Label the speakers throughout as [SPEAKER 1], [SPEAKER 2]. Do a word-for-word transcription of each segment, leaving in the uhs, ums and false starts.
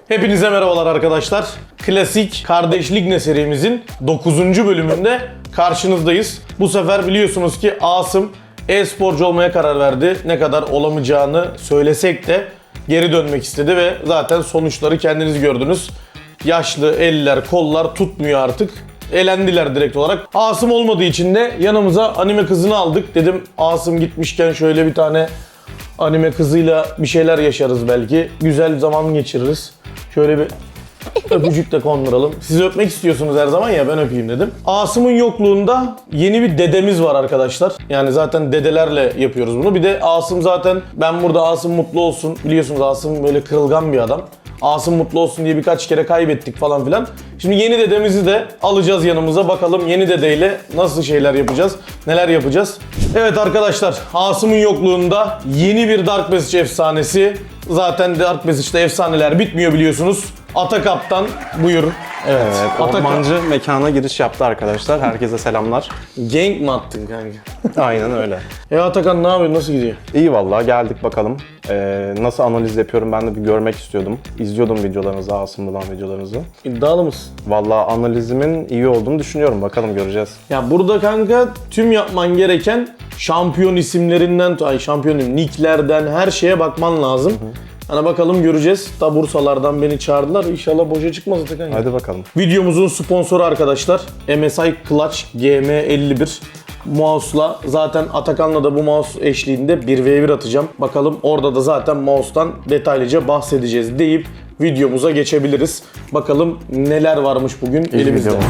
[SPEAKER 1] Hepinize merhabalar arkadaşlar. Klasik Kardeşlik Ne serimizin dokuzuncu bölümünde karşınızdayız. Bu sefer biliyorsunuz ki Asım e-sporcu olmaya karar verdi. Ne kadar olamayacağını söylesek de geri dönmek istedi ve zaten sonuçları kendiniz gördünüz. Yaşlı eller, kollar tutmuyor artık. Elendiler direkt olarak. Asım olmadığı için de yanımıza anime kızını aldık. Dedim Asım gitmişken şöyle bir tane anime kızıyla bir şeyler yaşarız belki. Güzel zaman geçiririz. Şöyle bir öpücük de konduralım. Siz öpmek istiyorsunuz her zaman ya, ben öpeyim dedim. Asım'ın yokluğunda yeni bir dedemiz var arkadaşlar. Yani zaten dedelerle yapıyoruz bunu. Bir de Asım zaten, ben burada Asım mutlu olsun. Biliyorsunuz Asım böyle kırılgan bir adam. Asım mutlu olsun diye birkaç kere kaybettik falan filan. Şimdi yeni dedemizi de alacağız yanımıza. Bakalım yeni dedeyle nasıl şeyler yapacağız, neler yapacağız. Evet arkadaşlar, Asım'ın yokluğunda yeni bir Dark Passage efsanesi. Zaten Dark Passage'da efsaneler bitmiyor biliyorsunuz. Atakap'tan buyur. Evet,
[SPEAKER 2] Evet,
[SPEAKER 1] Atak-
[SPEAKER 2] ormancı mekana giriş yaptı arkadaşlar. Herkese selamlar.
[SPEAKER 1] Gank mi attın kanka?
[SPEAKER 2] Aynen öyle.
[SPEAKER 1] E Atakan ne yapıyorsun, nasıl gidiyor?
[SPEAKER 2] İyi vallahi geldik bakalım. Ee, nasıl analiz yapıyorum ben de bir görmek istiyordum. İzliyordum videolarınızı, Asım bulan videolarınızı.
[SPEAKER 1] İddialı mısın?
[SPEAKER 2] Vallahi analizimin iyi olduğunu düşünüyorum. Bakalım göreceğiz.
[SPEAKER 1] Ya burada kanka tüm yapman gereken şampiyon isimlerinden, ay şampiyon diyeyim, nicklerden her şeye bakman lazım. Hı hı. Hani bakalım göreceğiz. Da Bursalardan beni çağırdılar. İnşallah boşa çıkmaz Atakan.
[SPEAKER 2] Hadi bakalım.
[SPEAKER 1] Videomuzun sponsoru arkadaşlar M S I Clutch G M elli bir mouse'la, zaten Atakan'la da bu mouse eşliğinde bir ve bir atacağım. Bakalım orada da zaten mouse'tan detaylıca bahsedeceğiz deyip videomuza geçebiliriz. Bakalım neler varmış bugün
[SPEAKER 2] İlk
[SPEAKER 1] elimizde.
[SPEAKER 2] videomuz.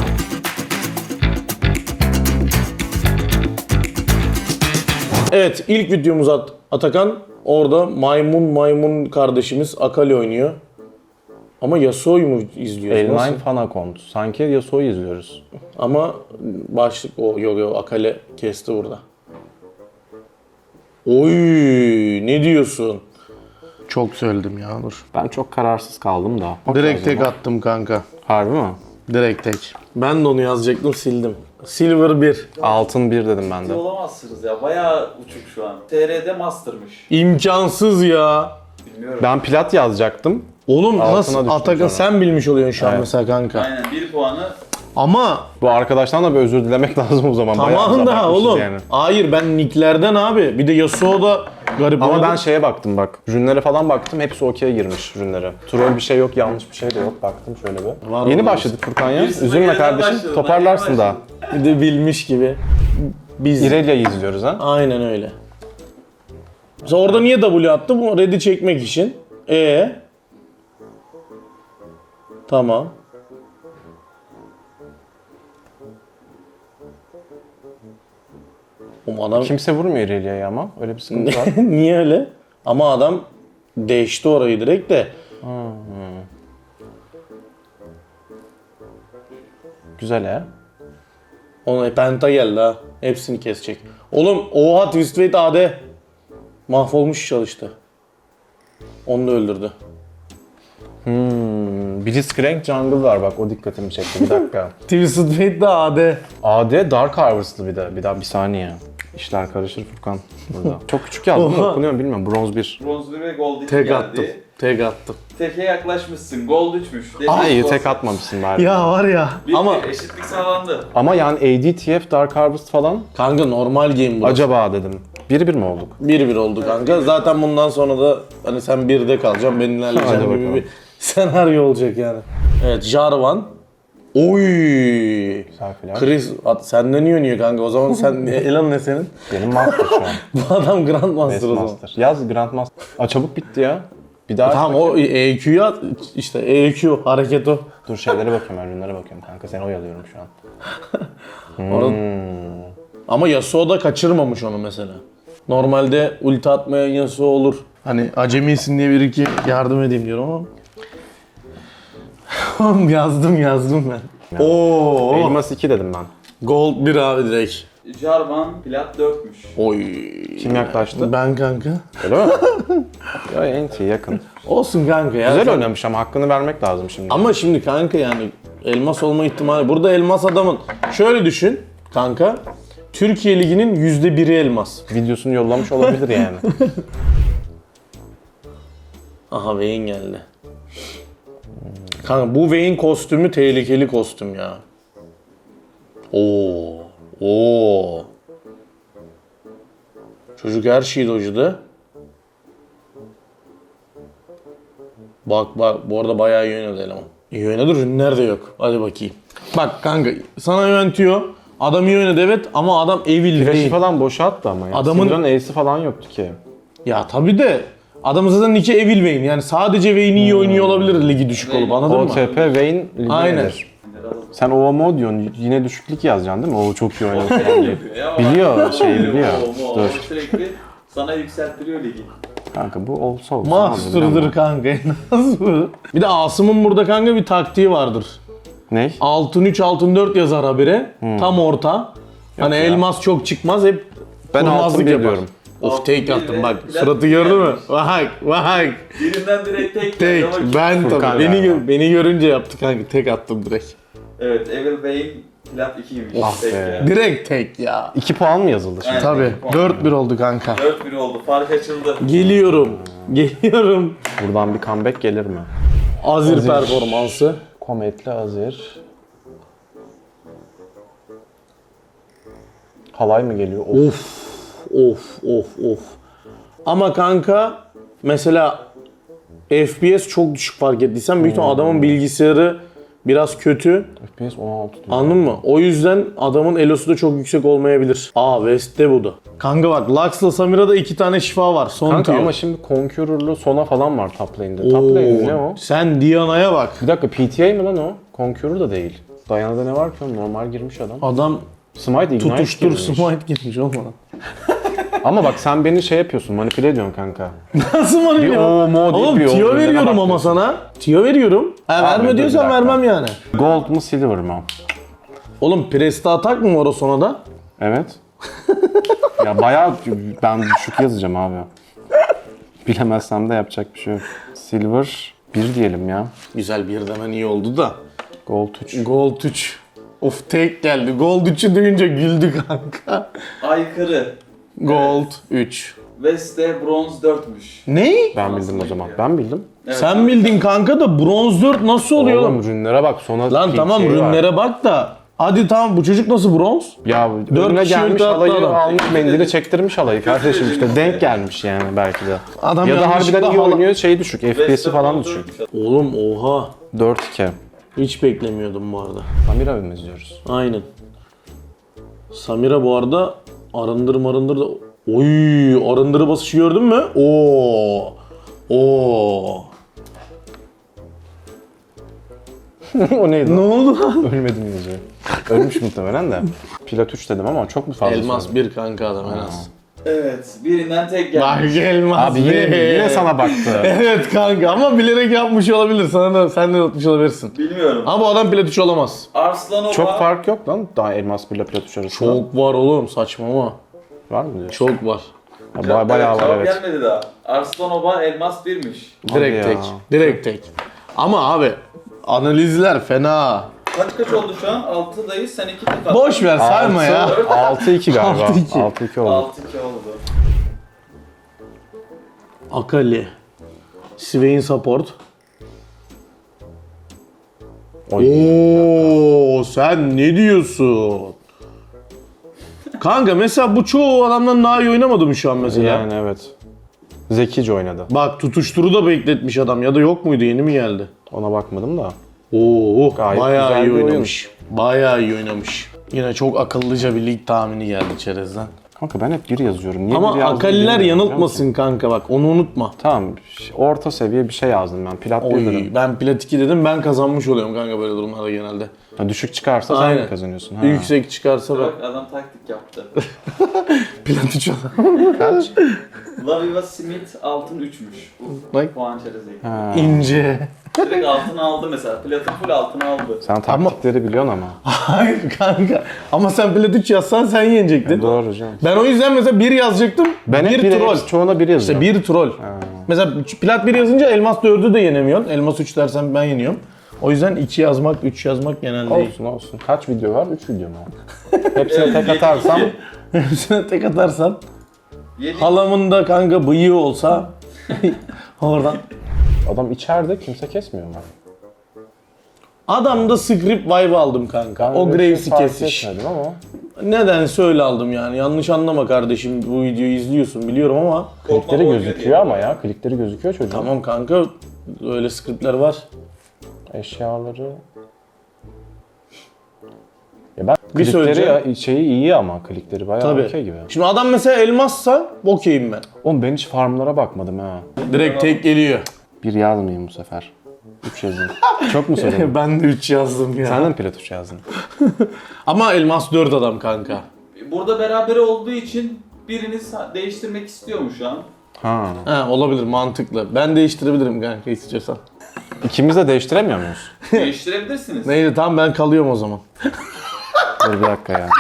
[SPEAKER 1] Evet, ilk videomuz At Atakan. Orada maymun maymun kardeşimiz Akali oynuyor. Ama Yasuo'yu mu izliyoruz?
[SPEAKER 2] L
[SPEAKER 1] Nasıl?
[SPEAKER 2] dokuz fan account. Sanki Yasuo'yu izliyoruz.
[SPEAKER 1] Ama başlık o, yok yok, Akali kesti burada. Oy, ne diyorsun? Çok söyledim ya, dur.
[SPEAKER 2] Ben çok kararsız kaldım da. Bak
[SPEAKER 1] Direkt
[SPEAKER 2] lazım
[SPEAKER 1] tek
[SPEAKER 2] ama.
[SPEAKER 1] attım kanka.
[SPEAKER 2] Harbi mi?
[SPEAKER 1] Direkt tek. Ben de onu yazacaktım, sildim. Silver bir.
[SPEAKER 2] Altın bir dedim ben de.
[SPEAKER 3] Olamazsınız ya. Bayağı uçuk şu an. T R'de Master'mış.
[SPEAKER 1] İmkansız ya.
[SPEAKER 3] Bilmiyorum.
[SPEAKER 2] Ben plat yazacaktım.
[SPEAKER 1] Oğlum
[SPEAKER 2] Altına
[SPEAKER 1] nasıl
[SPEAKER 2] düştüm
[SPEAKER 1] Atakan,
[SPEAKER 2] sonra.
[SPEAKER 1] sen bilmiş oluyorsun şu an
[SPEAKER 2] Evet.
[SPEAKER 1] mesela kanka.
[SPEAKER 3] Aynen bir puanı.
[SPEAKER 1] Ama
[SPEAKER 2] Bu arkadaştan da bir özür dilemek lazım o zaman. Bayağı
[SPEAKER 1] tamam da
[SPEAKER 2] abartmışız
[SPEAKER 1] oğlum.
[SPEAKER 2] yani.
[SPEAKER 1] Hayır, ben nicklerden abi. Bir de Yasuo da garip.
[SPEAKER 2] Ama
[SPEAKER 1] oynadı.
[SPEAKER 2] ben şeye baktım bak. Rünlere falan baktım. Hepsi okey'e girmiş rünlere. Troll bir şey yok, yanlış bir şey de yok. Baktım şöyle bir.
[SPEAKER 1] Var
[SPEAKER 2] Yeni
[SPEAKER 1] mı?
[SPEAKER 2] başladık Furkan ya.
[SPEAKER 3] Bir sıfır
[SPEAKER 2] Üzülme
[SPEAKER 3] geriden
[SPEAKER 2] kardeşim.
[SPEAKER 3] başladım.
[SPEAKER 2] Toparlarsın
[SPEAKER 3] Ben
[SPEAKER 2] daha.
[SPEAKER 3] yeni
[SPEAKER 1] Bir de bilmiş gibi. Biz.
[SPEAKER 2] İrelia'yı izliyoruz ha.
[SPEAKER 1] Aynen öyle. Mesela orada niye W attı? Bu red'i çekmek için. E Tamam. Oğlum adam
[SPEAKER 2] Kimse vurmuyor İrelia'yı ama. Öyle bir sıkıntı var.
[SPEAKER 1] niye öyle? Ama adam değişti orayı direkt de.
[SPEAKER 2] Güzel ha.
[SPEAKER 1] Ona penta geldi ha. Hepsini kesecek. Oğlum oha, Twist Fate A D. Mahvolmuş çalıştı. Onu da öldürdü.
[SPEAKER 2] Hmm. Blitzcrank Jungle var bak, o dikkatimi çekti. Bir dakika.
[SPEAKER 1] Twisted Fate de A D.
[SPEAKER 2] A D Dark Harvest'lı bir de. Bir daha bir saniye. İşler karışır Furkan burada. Çok küçük yazdım da
[SPEAKER 1] Oha.
[SPEAKER 2] okunuyor mu bilmiyorum. Bronz bir.
[SPEAKER 3] Bronz bir ve Gold iki
[SPEAKER 1] Tek
[SPEAKER 3] geldi.
[SPEAKER 1] attım. Tek attım.
[SPEAKER 3] Teke yaklaşmışsın. Gold üçmüş.
[SPEAKER 2] Ay iyi
[SPEAKER 3] Gold.
[SPEAKER 2] tek atmamışsın bari.
[SPEAKER 1] Ya var ya.
[SPEAKER 3] Bitti.
[SPEAKER 1] Ama
[SPEAKER 3] Eşitlik sağlandı.
[SPEAKER 2] Ama yani A D T F Dark Harvest falan
[SPEAKER 1] kanka normal game bu.
[SPEAKER 2] acaba dedim. Bir bir mi olduk?
[SPEAKER 1] bir bir oldu kanka. Zaten bundan sonra da hani sen birde kalacaksın, ben
[SPEAKER 2] Hadi
[SPEAKER 1] ilerleyeceğim gibi
[SPEAKER 2] bakalım.
[SPEAKER 1] bir senaryo olacak yani. Evet, Jarvan. Oy.
[SPEAKER 2] Güzel filan.
[SPEAKER 1] Chris, at, senden iyi oynuyor kanka. O zaman sen Elan ne senin?
[SPEAKER 2] Benim master şu an.
[SPEAKER 1] Bu adam Grandmaster o zaman.
[SPEAKER 2] Master. Yaz Grandmaster. Aa çabuk bitti ya. Bir daha
[SPEAKER 1] Tamam, o E Q'yu at. İşte E Q hareket o.
[SPEAKER 2] dur şeylere bakıyorum, ben ürünlere bakıyorum kanka. Seni oyalıyorum şu an.
[SPEAKER 1] Orada-
[SPEAKER 2] Hmm.
[SPEAKER 1] Ama Yasuo da kaçırmamış onu mesela. Normalde ulti atmayan Yasuo olur. Hani acemisin diye bir iki yardım edeyim diyorum ama. Oğlum yazdım yazdım ben. Oo.
[SPEAKER 2] Elmas iki dedim ben.
[SPEAKER 1] Gold bir abi direkt.
[SPEAKER 3] Jarvan plat dörtmüş.
[SPEAKER 1] Oy.
[SPEAKER 2] Kim yaklaştı?
[SPEAKER 1] Ben kanka.
[SPEAKER 2] Öyle mi? Ya en iyi yakın.
[SPEAKER 1] Olsun kanka ya.
[SPEAKER 2] Güzel
[SPEAKER 1] Sen-
[SPEAKER 2] oynamış ama hakkını vermek lazım şimdi.
[SPEAKER 1] Ama şimdi kanka yani elmas olma ihtimali. Burada elmas adamın. Şöyle düşün kanka. Türkiye Ligi'nin yüzde biri elmas.
[SPEAKER 2] Videosunu yollamış olabilir yani.
[SPEAKER 1] Aha, Vayne geldi. Kanka bu Wayne kostümü tehlikeli kostüm ya. Oo. Oo. Çocuk her şeyi dojladı. Bak bak bu arada bayağı iyi oynadı eleman. İyi oynadı, ürünler de yok. Hadi bakayım. Bak kanka sana yönetiyor. Adam iyi oynadı evet ama adam evil
[SPEAKER 2] Flash'ı
[SPEAKER 1] değil.
[SPEAKER 2] falan boşa attı ama ya.
[SPEAKER 1] Adamın-
[SPEAKER 2] Syndra'nın Ace'i falan yoktu ki.
[SPEAKER 1] Ya tabi de adamın zaten iki evil Vayne. Yani sadece Vayne iyi oynuyor olabilir ligi düşük olup, anladın mı?
[SPEAKER 2] O T P Vayne ligi
[SPEAKER 1] Aynen.
[SPEAKER 2] nedir? Sen O M O diyorsun, yine düşüklük yazacaksın değil mi? O çok iyi oynadı falan diye.
[SPEAKER 3] Ya,
[SPEAKER 2] Biliyor, şeyi biliyor.
[SPEAKER 3] O, o, o,
[SPEAKER 2] Dur.
[SPEAKER 3] Sürekli sana yükselttiriyor ligi.
[SPEAKER 2] Kanka bu olsa olsa.
[SPEAKER 1] Master'dır kanka en az bu. Bir de Asım'ın burada kanka bir taktiği vardır.
[SPEAKER 2] Ne?
[SPEAKER 1] Altın üç altın dört yazar habire. Tam orta. Hani
[SPEAKER 2] ya.
[SPEAKER 1] elmas çok çıkmaz, hep
[SPEAKER 2] Ben altın
[SPEAKER 1] kurnazlık
[SPEAKER 2] bir
[SPEAKER 1] yapar.
[SPEAKER 2] diyorum.
[SPEAKER 1] Of
[SPEAKER 3] Altın
[SPEAKER 1] tek
[SPEAKER 3] bir
[SPEAKER 1] attım
[SPEAKER 3] de
[SPEAKER 1] bak.
[SPEAKER 3] plat
[SPEAKER 1] Suratı
[SPEAKER 3] bir
[SPEAKER 1] gördün mü?
[SPEAKER 3] gelmiş.
[SPEAKER 1] Bak bak.
[SPEAKER 3] Birinden direkt tek
[SPEAKER 1] Tek.
[SPEAKER 3] geldi ama
[SPEAKER 1] Ben
[SPEAKER 2] Furkan
[SPEAKER 1] tabii. Beni,
[SPEAKER 2] galiba.
[SPEAKER 1] gö- beni görünce yaptı kanka. Tek attım direkt.
[SPEAKER 3] Evet, Evil Vayne plat ikiymiş.
[SPEAKER 2] Ah
[SPEAKER 3] tek
[SPEAKER 2] be.
[SPEAKER 3] ya.
[SPEAKER 1] Direkt tek ya.
[SPEAKER 2] iki puan mı yazıldı şimdi?
[SPEAKER 3] Aynen.
[SPEAKER 1] Tabii.
[SPEAKER 3] puan.
[SPEAKER 1] dört bir oldu kanka.
[SPEAKER 3] dört bir oldu, fark açıldı.
[SPEAKER 1] Geliyorum. Geliyorum.
[SPEAKER 2] Buradan bir comeback gelir mi?
[SPEAKER 1] Azir,
[SPEAKER 2] Azir.
[SPEAKER 1] performansı.
[SPEAKER 2] Kometli Azir. Halay mı geliyor? Of.
[SPEAKER 1] Of of of of. Ama kanka mesela F P S çok düşük fark ettiysen büyük ihtimal adamın bilgisayarı biraz kötü.
[SPEAKER 2] F P S on altı diyor.
[SPEAKER 1] Anladın mı? O yüzden adamın elosu da çok yüksek olmayabilir. Aa West'te bu da. Kanka bak Lux'la Samira'da iki tane şifa var. Son
[SPEAKER 2] Kanka
[SPEAKER 1] tier.
[SPEAKER 2] ama şimdi Conqueror'lu Sona falan var top lane'de. Top lane ne o?
[SPEAKER 1] Sen Diana'ya bak.
[SPEAKER 2] Bir dakika P T A mı lan o? Conqueror da değil. Diana'da ne var ki oğlum? Normal girmiş adam.
[SPEAKER 1] Adam
[SPEAKER 2] Smite Ignite
[SPEAKER 1] tutuştur
[SPEAKER 2] girmiş.
[SPEAKER 1] smite girmiş olmadan.
[SPEAKER 2] Ama bak sen beni şey yapıyorsun, manipüle ediyorsun kanka.
[SPEAKER 1] Nasıl var
[SPEAKER 2] Bir
[SPEAKER 1] ya?
[SPEAKER 2] o mo deyip
[SPEAKER 1] Oğlum
[SPEAKER 2] bir o
[SPEAKER 1] tiyo
[SPEAKER 2] ürünlere
[SPEAKER 1] veriyorum ama
[SPEAKER 2] bakıyorsun.
[SPEAKER 1] sana. Tiyo veriyorum. Ha,
[SPEAKER 2] Abi,
[SPEAKER 1] verme
[SPEAKER 2] dur
[SPEAKER 1] diyorsan
[SPEAKER 2] bir dakika.
[SPEAKER 1] vermem yani.
[SPEAKER 2] Gold mu silver mı?
[SPEAKER 1] Oğlum Presta atak mı var o sonada?
[SPEAKER 2] Evet. Ya bayağı ben düşük yazacağım abi. Bilemezsem de yapacak bir şey yok. Silver bir diyelim ya.
[SPEAKER 1] Güzel bir demen iyi oldu da.
[SPEAKER 2] Gold üç.
[SPEAKER 1] Gold üç. Of tek geldi. Gold üçü duyunca güldü kanka.
[SPEAKER 3] Aykırı.
[SPEAKER 1] Gold üç.
[SPEAKER 3] West'te bronz dörtmüş.
[SPEAKER 1] Ne?
[SPEAKER 2] Ben bildim o zaman. Ben bildim.
[SPEAKER 3] Evet,
[SPEAKER 1] Sen bildin kanka da bronz dört nasıl oluyor?
[SPEAKER 2] Oğlum rünlere bak sonra
[SPEAKER 1] Lan
[SPEAKER 2] P
[SPEAKER 1] tamam
[SPEAKER 2] T A var.
[SPEAKER 1] rünlere bak da. Hadi tamam bu çocuk nasıl bronz?
[SPEAKER 2] Ya
[SPEAKER 1] Dört
[SPEAKER 2] önüne
[SPEAKER 1] kişi
[SPEAKER 2] gelmiş
[SPEAKER 1] ulti attı
[SPEAKER 2] halayı
[SPEAKER 1] adam.
[SPEAKER 2] almış mendili çektirmiş halayı kardeşim işte denk gelmiş yani belki de.
[SPEAKER 1] Adam
[SPEAKER 2] Ya da
[SPEAKER 1] yanlışlıkla
[SPEAKER 2] harbiden iyi
[SPEAKER 1] hala-
[SPEAKER 2] oynuyor şey düşük F P S'i
[SPEAKER 3] West'te
[SPEAKER 2] falan
[SPEAKER 3] bronz
[SPEAKER 2] düşük.
[SPEAKER 3] dörtmüş.
[SPEAKER 1] Oğlum oha.
[SPEAKER 2] dört iki.
[SPEAKER 1] Hiç beklemiyordum bu arada.
[SPEAKER 2] Samira mı izliyoruz?
[SPEAKER 1] Aynen. Samira bu arada arındır marındır da... Oy arındırı basışı gördün mü? Oo. Oo.
[SPEAKER 2] O neydi?
[SPEAKER 1] Ne oldu lan?
[SPEAKER 2] Ölmedim yazıyor. Ölmüş muhtemelen de. Plat üç dedim ama çok mu fazla
[SPEAKER 1] Elmas
[SPEAKER 2] söyledim?
[SPEAKER 1] bir kanka adam en az.
[SPEAKER 3] Evet, birinden tek geldi.
[SPEAKER 1] Bak elmas
[SPEAKER 2] Abi yine,
[SPEAKER 1] bir.
[SPEAKER 2] yine sana baktı.
[SPEAKER 1] Evet kanka ama bilerek yapmış olabilir. Sana da sen de yapmış olabilirsin.
[SPEAKER 3] Bilmiyorum.
[SPEAKER 1] Ama bu adam plat üç olamaz.
[SPEAKER 3] Arslanova.
[SPEAKER 2] Çok fark yok lan daha elmas bir ile plat üç arasında.
[SPEAKER 1] Çok var oğlum saçmalama.
[SPEAKER 2] Var mı diyorsun?
[SPEAKER 1] Çok var.
[SPEAKER 2] Ya, ba- bayağı
[SPEAKER 3] evet,
[SPEAKER 2] var
[SPEAKER 3] cevap
[SPEAKER 2] evet.
[SPEAKER 3] gelmedi daha. Arslanova elmas birmiş.
[SPEAKER 1] Direkt
[SPEAKER 2] Hadi
[SPEAKER 1] tek.
[SPEAKER 2] ya.
[SPEAKER 1] Direkt tek. Ama abi analizler fena.
[SPEAKER 3] Kaç kaç oldu şu an? altıdayız, sen iki tek attın.
[SPEAKER 1] Boş ver sayma ya.
[SPEAKER 2] altı iki galiba.
[SPEAKER 1] altı iki.
[SPEAKER 2] altı iki oldu.
[SPEAKER 3] altı iki oldu.
[SPEAKER 1] Akali. Swain support.
[SPEAKER 2] Oy.
[SPEAKER 1] Oo sen ne diyorsun? Kanka mesela bu çoğu adamdan daha iyi oynamadı mı şu an mesela?
[SPEAKER 2] Yani evet. Zekice oynadı.
[SPEAKER 1] Bak tutuşturu da bekletmiş adam ya da yok muydu yeni mi geldi?
[SPEAKER 2] Ona bakmadım da.
[SPEAKER 1] Oo
[SPEAKER 2] Gayet
[SPEAKER 1] bayağı
[SPEAKER 2] güzel
[SPEAKER 1] iyi
[SPEAKER 2] bir oyun.
[SPEAKER 1] oynamış. Bayağı iyi oynamış. Yine çok akıllıca bir lig tahmini geldi çerezden.
[SPEAKER 2] Kanka ben hep bir yazıyorum. Niye bir
[SPEAKER 1] Ama
[SPEAKER 2] yazdım
[SPEAKER 1] Akaliler
[SPEAKER 2] bilmiyorum, biliyor musun?
[SPEAKER 1] yanıltmasın kanka bak onu unutma.
[SPEAKER 2] Tamam. orta seviye bir şey yazdım ben. Plat bir
[SPEAKER 1] Oy,
[SPEAKER 2] dedim.
[SPEAKER 1] ben plat iki dedim ben kazanmış oluyorum kanka böyle durumlarda genelde.
[SPEAKER 2] Ha, düşük çıkarsa sen
[SPEAKER 1] Aynen.
[SPEAKER 2] mi kazanıyorsun? Ha.
[SPEAKER 1] Yüksek çıkarsa bak
[SPEAKER 3] Bak adam taktik yaptı.
[SPEAKER 1] plat üç
[SPEAKER 2] Kaç?
[SPEAKER 3] Laviva Smith altın üçmüş. Bu
[SPEAKER 1] Bak.
[SPEAKER 3] puan çerezi.
[SPEAKER 2] Ha.
[SPEAKER 1] ince.
[SPEAKER 3] Direkt altın aldı mesela. Platın full altın aldı.
[SPEAKER 2] Sen taktikleri biliyorsun ama.
[SPEAKER 1] Hayır kanka. Ama sen plat üç yazsan sen yenecektin.
[SPEAKER 2] Doğru canım.
[SPEAKER 1] Ben o yüzden mesela bir yazacaktım.
[SPEAKER 2] Ben hep
[SPEAKER 1] bir
[SPEAKER 2] bir
[SPEAKER 1] troll.
[SPEAKER 2] çoğuna bir yazıyorum.
[SPEAKER 1] İşte bir troll. Mesela plat bir yazınca elmas dördü de yenemiyorsun. Elmas üç dersen ben yeniyorum. O yüzden iki yazmak, üç yazmak genelde iyi.
[SPEAKER 2] Olsun olsun. Kaç video var? üç video mu? Hepsine tek atarsam
[SPEAKER 1] Hepsine tek atarsan.
[SPEAKER 3] Yedi.
[SPEAKER 1] Halamın da kanka bıyığı olsa oradan.
[SPEAKER 2] adam içeride kimse kesmiyor mu?
[SPEAKER 1] Adamda script vibe aldım kanka.
[SPEAKER 2] Ben
[SPEAKER 1] o
[SPEAKER 2] öyle bir
[SPEAKER 1] Graves'i
[SPEAKER 2] fark
[SPEAKER 1] kesiş.
[SPEAKER 2] etmedim ama.
[SPEAKER 1] Nedense öyle aldım yani. Yanlış anlama kardeşim, bu videoyu izliyorsun biliyorum ama.
[SPEAKER 2] Klikleri gözüküyor ama ya. Klikleri gözüküyor çocuğun.
[SPEAKER 1] Tamam kanka, öyle scriptler var.
[SPEAKER 2] Eşyaları... Ya ben
[SPEAKER 1] Bir
[SPEAKER 2] klikleri
[SPEAKER 1] söyleyeceğim.
[SPEAKER 2] ya, şeyi iyi ama klikleri bayağı
[SPEAKER 1] Tabii.
[SPEAKER 2] okey gibi.
[SPEAKER 1] Şimdi adam mesela elmassa okeyim ben.
[SPEAKER 2] Oğlum ben hiç farmlara bakmadım ha.
[SPEAKER 1] Direkt tek geliyor.
[SPEAKER 2] Bir yazmayayım bu sefer. üç yazayım. Çok mu söyledin?
[SPEAKER 1] Ben de üç yazdım ya.
[SPEAKER 2] Sen de mi plat üç yazdın?
[SPEAKER 1] Ama elmas dört adam kanka.
[SPEAKER 3] Burada beraber olduğu için biriniz değiştirmek istiyor mu şu an?
[SPEAKER 2] Ha.
[SPEAKER 1] Ha, olabilir, mantıklı. Ben değiştirebilirim kanka istiyorsan.
[SPEAKER 2] İkimiz de değiştiremiyor muyuz?
[SPEAKER 3] Değiştirebilirsiniz.
[SPEAKER 1] Neydi, tamam ben kalıyorum o zaman.
[SPEAKER 2] Dur bir dakika ya.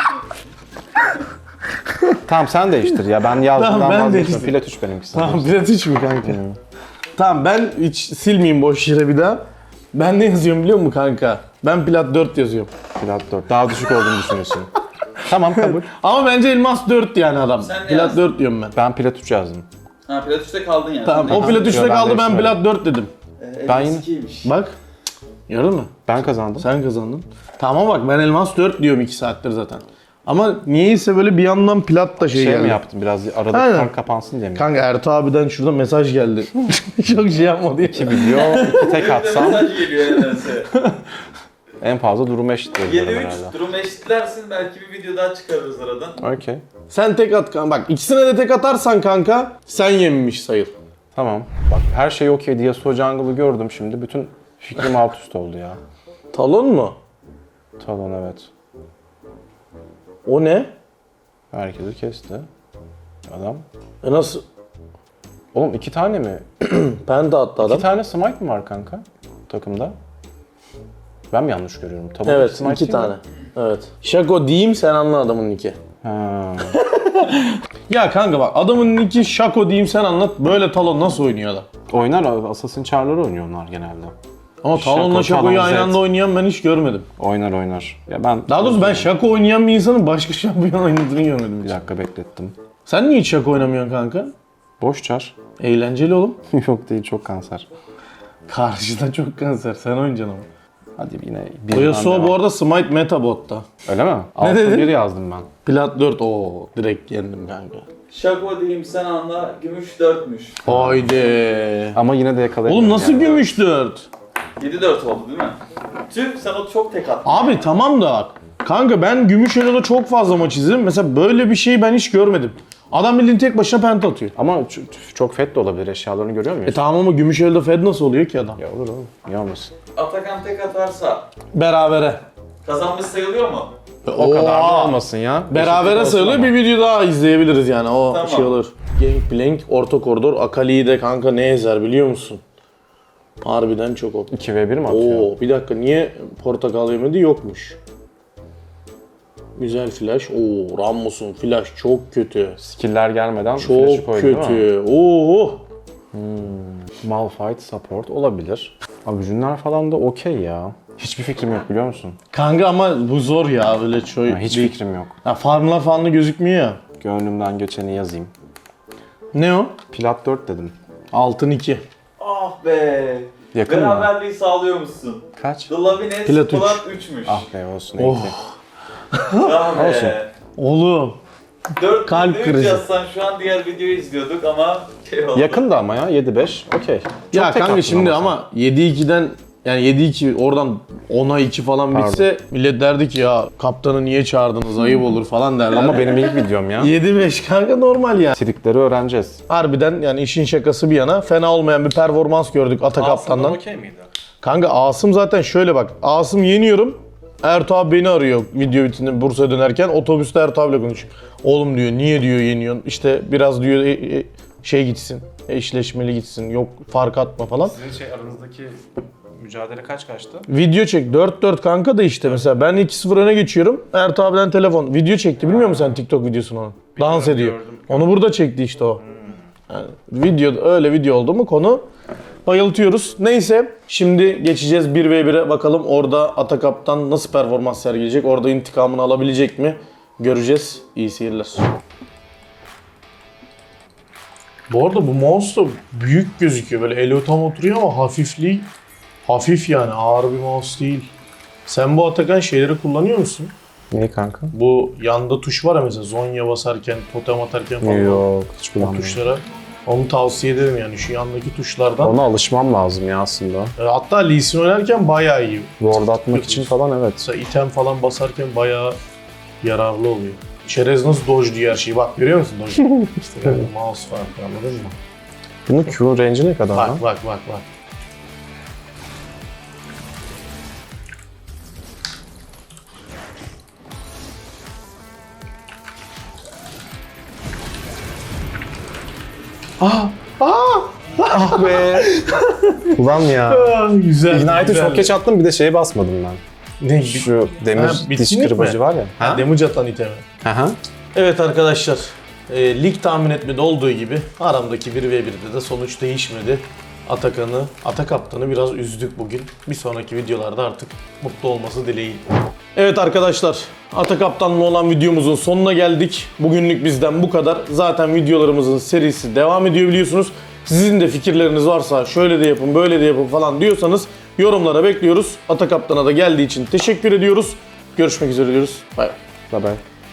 [SPEAKER 2] Tamam sen değiştir ya. Ben yazdım.
[SPEAKER 1] Tamam, ben
[SPEAKER 2] vazgeçtim.
[SPEAKER 1] değiştireyim.
[SPEAKER 2] Plat üç benimkisi.
[SPEAKER 1] Tamam, plat üç mü kanka? Tamam, ben hiç silmeyeyim boş yere bir daha. Ben ne yazıyorum biliyor musun kanka? Ben plat dört yazıyorum.
[SPEAKER 2] Plat dört. Daha düşük olduğunu düşünüyorsun. Tamam kabul.
[SPEAKER 1] Ama bence elmas dört yani adam.
[SPEAKER 3] Sen ne
[SPEAKER 1] Plat
[SPEAKER 3] yazdın?
[SPEAKER 1] dört diyorum ben.
[SPEAKER 2] Ben plat üç yazdım.
[SPEAKER 3] Ha plat üçte kaldın yani.
[SPEAKER 1] Tamam,
[SPEAKER 3] Sen
[SPEAKER 1] o
[SPEAKER 3] de-
[SPEAKER 1] plat üçte
[SPEAKER 2] ben
[SPEAKER 1] kaldı, ben
[SPEAKER 2] değiştirmedim.
[SPEAKER 1] plat dört dedim.
[SPEAKER 3] Ee,
[SPEAKER 2] Ben
[SPEAKER 3] elmas
[SPEAKER 2] yine-
[SPEAKER 3] ikiymiş.
[SPEAKER 1] Bak. Gördün mü?
[SPEAKER 2] Ben kazandım.
[SPEAKER 1] Sen kazandın. Tamam bak, ben elmas dört diyorum iki saattir zaten. Ama niyeyse böyle bir yandan plat da şey,
[SPEAKER 2] Şey
[SPEAKER 1] geldi.
[SPEAKER 2] mi yaptın? Biraz arada
[SPEAKER 1] Aynen.
[SPEAKER 2] kan kapansın diye mi?
[SPEAKER 1] Kanka Ertuğ abiden şurada mesaj geldi. Çok şey yapma diye.
[SPEAKER 2] İki video, iki tek
[SPEAKER 3] Bir de
[SPEAKER 2] atsam
[SPEAKER 3] mesaj geliyor nedense.
[SPEAKER 2] en fazla durumu eşit
[SPEAKER 3] yedi
[SPEAKER 2] diyorum
[SPEAKER 3] üç
[SPEAKER 2] herhalde.
[SPEAKER 3] durum eşitlersin, belki bir video daha çıkarırız aradan.
[SPEAKER 2] Okey.
[SPEAKER 1] Sen tek at kanka. Bak ikisine de tek atarsan kanka sen yenmiş sayıl.
[SPEAKER 2] Tamam. Bak her şey okey diye Yasuo Jungle'ı gördüm şimdi. Bütün fikrim alt üst oldu ya.
[SPEAKER 1] Talon mu?
[SPEAKER 2] Talon evet.
[SPEAKER 1] O ne?
[SPEAKER 2] Herkesi kesti. Adam.
[SPEAKER 1] E nasıl?
[SPEAKER 2] Oğlum iki tane mi?
[SPEAKER 1] Penta attı adam.
[SPEAKER 2] İki tane smite mi var kanka takımda? Ben mi yanlış görüyorum? Tabii
[SPEAKER 1] Evet,
[SPEAKER 2] smite
[SPEAKER 1] iki
[SPEAKER 2] değil mi?
[SPEAKER 1] tane. Evet. Şako diyeyim, sen anla adamın nicki.
[SPEAKER 2] Ha.
[SPEAKER 1] Ya kanka bak, adamın nicki Şako diyeyim, sen anlat. Böyle Talon nasıl oynuyor adam?
[SPEAKER 2] Oynar Assassin Char'ları oynuyor onlar genelde.
[SPEAKER 1] Ama
[SPEAKER 2] Şako,
[SPEAKER 1] Talon'la Şako'yu
[SPEAKER 2] Talon,
[SPEAKER 1] aynı
[SPEAKER 2] Zed.
[SPEAKER 1] anda oynayan ben hiç görmedim.
[SPEAKER 2] Oynar oynar. Ya ben
[SPEAKER 1] Daha doğrusu ben Şako oynayan bir insanın başka şampiyon oynadığını görmedim
[SPEAKER 2] bir
[SPEAKER 1] hiç.
[SPEAKER 2] dakika beklettim.
[SPEAKER 1] Sen niye hiç Şako oynamıyorsun kanka?
[SPEAKER 2] Boş Char.
[SPEAKER 1] Eğlenceli oğlum.
[SPEAKER 2] Yok değil çok kanser.
[SPEAKER 1] Karşıda çok kanser, sen oynayacaksın ama.
[SPEAKER 2] Hadi yine
[SPEAKER 1] O
[SPEAKER 2] bir
[SPEAKER 1] Yasuo bu arada Smite Metabotta.
[SPEAKER 2] Öyle mi? Altı
[SPEAKER 1] dedin?
[SPEAKER 2] bir yazdım ben.
[SPEAKER 1] Plat dört, ooo direkt yendim kanka.
[SPEAKER 3] Şako diyeyim sen anla, gümüş dörtmüş.
[SPEAKER 1] Haydi.
[SPEAKER 2] Ama yine de yakalayamadım.
[SPEAKER 1] Oğlum nasıl
[SPEAKER 2] yani.
[SPEAKER 1] gümüş dört?
[SPEAKER 3] yedi dört oldu değil mi? Tüh, sen o çok tek attın.
[SPEAKER 1] Abi tamam da bak. Kanka ben gümüş elo'da çok fazla maç izledim. Mesela böyle bir şeyi ben hiç görmedim. Adam bildiğin tek başına penta atıyor.
[SPEAKER 2] Ama ç- çok fed de olabilir. Eşyalarını görüyor
[SPEAKER 1] E
[SPEAKER 2] muyuz?
[SPEAKER 1] tamam ama gümüş elo'da fed nasıl oluyor ki adam?
[SPEAKER 2] Ya olur oğlum. Niye olmasın?
[SPEAKER 3] Atakan tek atarsa
[SPEAKER 1] Berabere.
[SPEAKER 3] kazanmış sayılıyor mu?
[SPEAKER 2] O kadar da
[SPEAKER 1] Oha!
[SPEAKER 2] olmasın ya.
[SPEAKER 1] Berabere
[SPEAKER 2] Eşitlik
[SPEAKER 1] sayılıyor,
[SPEAKER 2] olsun
[SPEAKER 1] bir video daha izleyebiliriz yani, o
[SPEAKER 3] Tamam.
[SPEAKER 1] şey olur. Gangplank, orta koridor, Akali'yi de kanka ne ezer biliyor musun? Harbiden çok o.
[SPEAKER 2] iki ve bir mi atıyor?
[SPEAKER 1] Oo, bir dakika, niye portakal yemedi, yokmuş. Güzel flash. Oo, Rammus'un flash çok kötü.
[SPEAKER 2] Skill'ler gelmeden flash'ı
[SPEAKER 1] Çok
[SPEAKER 2] koydu değil mi?
[SPEAKER 1] kötü. Oo.
[SPEAKER 2] Malphite support olabilir. Abi Jünler falan da okey ya. Hiçbir fikrim yok biliyor musun?
[SPEAKER 1] Kanka ama bu zor ya, öyle çok.
[SPEAKER 2] Ha, hiç
[SPEAKER 1] değil.
[SPEAKER 2] fikrim yok.
[SPEAKER 1] Ya farmlar falan da gözükmüyor ya.
[SPEAKER 2] Gönlümden geçeni yazayım.
[SPEAKER 1] Ne o?
[SPEAKER 2] Plat dört dedim.
[SPEAKER 1] Altın iki.
[SPEAKER 3] Ah be.
[SPEAKER 2] Yakın mı?
[SPEAKER 3] Beraberliği sağlıyor musun?
[SPEAKER 2] Kaç?
[SPEAKER 3] The Lavines
[SPEAKER 1] Plat üç.
[SPEAKER 3] Plat üçmüş.
[SPEAKER 2] Ah be olsun.
[SPEAKER 1] Oh.
[SPEAKER 2] iyi ki.
[SPEAKER 3] Ah be.
[SPEAKER 2] Olsun.
[SPEAKER 1] Oğlum.
[SPEAKER 3] dört
[SPEAKER 1] Kalp
[SPEAKER 3] üç
[SPEAKER 1] krizi.
[SPEAKER 3] yazsan şu an diğer videoyu izliyorduk ama şey oldu.
[SPEAKER 2] Yakın da ama ya yedi beş. Okey. Çok
[SPEAKER 1] Ya
[SPEAKER 2] tek
[SPEAKER 1] kanka
[SPEAKER 2] attın
[SPEAKER 1] şimdi
[SPEAKER 2] sen.
[SPEAKER 1] ama yedi ikiden yani yedi iki oradan ona iki falan
[SPEAKER 2] Pardon.
[SPEAKER 1] bitse millet derdi ki ya kaptanı niye çağırdınız, ayıp olur falan derler.
[SPEAKER 2] Ama benim ilk videom ya.
[SPEAKER 1] yedi beş kanka normal yani.
[SPEAKER 2] Trikleri öğreneceğiz.
[SPEAKER 1] Harbiden yani işin şakası bir yana fena olmayan bir performans gördük Ata kaptandan.
[SPEAKER 2] okey miydi?
[SPEAKER 1] Kanka Asım zaten şöyle bak. Asım yeniyorum. Ertuğ abi beni arıyor video bitince Bursa'ya dönerken. Otobüste Ertuğ abiyle konuşuyor. Oğlum diyor niye diyor yeniyorsun? İşte biraz diyor e, e, şey gitsin. Eşleşmeli gitsin. Yok fark atma falan.
[SPEAKER 2] Sizin şey aranızdaki mücadele kaç kaçtı?
[SPEAKER 1] Video çek. dört dört kanka da işte mesela ben iki sıfır öne geçiyorum. Ertuğ abiden telefon. Video çekti. Bilmiyor musun sen TikTok videosunu onu? Dans ediyor.
[SPEAKER 2] gördüm.
[SPEAKER 1] Onu burada çekti işte o. Yani video öyle video oldu mu konu bayıltıyoruz. Neyse şimdi geçeceğiz bir ve bire bakalım orada Atakap'tan nasıl performans sergileyecek. Orada intikamını alabilecek mi? Göreceğiz. İyi seyirler. Bu arada bu mouse da büyük gözüküyor. Böyle eli tam oturuyor ama hafifliği hafif yani, ağır bir mouse değil. Sen bu Atakan şeyleri kullanıyor musun?
[SPEAKER 2] Neyi kanka?
[SPEAKER 1] Bu yanda tuş var ya mesela Zonya basarken, totem atarken falan.
[SPEAKER 2] Yok, hiç
[SPEAKER 1] O
[SPEAKER 2] kullanmıyorum.
[SPEAKER 1] tuşlara. Onu tavsiye ederim yani şu yandaki tuşlardan.
[SPEAKER 2] Ona alışmam lazım ya aslında.
[SPEAKER 1] E, Hatta Lee Sin oynarken bayağı iyi.
[SPEAKER 2] Ward atmak için falan evet.
[SPEAKER 1] Mesela item falan basarken bayağı yararlı oluyor. Çerez nasıl dodge diyor her şeyi. Bak görüyor musun dodge? İşte yani mouse farkı anladın mı?
[SPEAKER 2] Bunun Q range'i ne kadar lan?
[SPEAKER 1] Bak bak bak bak. Aa! Aa!
[SPEAKER 2] Ah be! Ulan ya.
[SPEAKER 1] Aa, güzel.
[SPEAKER 2] Ignite'ı
[SPEAKER 1] güzel.
[SPEAKER 2] çok geç attım bir de şeye basmadım ben.
[SPEAKER 1] Ne?
[SPEAKER 2] Şu demir
[SPEAKER 1] Ha,
[SPEAKER 2] diş
[SPEAKER 1] bitkinlik
[SPEAKER 2] kırbacı
[SPEAKER 1] mi?
[SPEAKER 2] var ya.
[SPEAKER 1] Ha, damage atan itemi.
[SPEAKER 2] Aha.
[SPEAKER 1] Evet arkadaşlar, e, lig tahmin etmede olduğu gibi aramdaki bir ve birde de sonuç değişmedi. Atakan'ı, Atakaptan'ı biraz üzdük bugün. Bir sonraki videolarda artık mutlu olması dileğiyle. Evet arkadaşlar, Atakaptan'la olan videomuzun sonuna geldik. Bugünlük bizden bu kadar. Zaten videolarımızın serisi devam ediyor biliyorsunuz. Sizin de fikirleriniz varsa şöyle de yapın, böyle de yapın falan diyorsanız yorumlara bekliyoruz. Atakaptan'a da geldiği için teşekkür ediyoruz. Görüşmek üzere diyoruz. Bay bay.
[SPEAKER 2] Bye bye.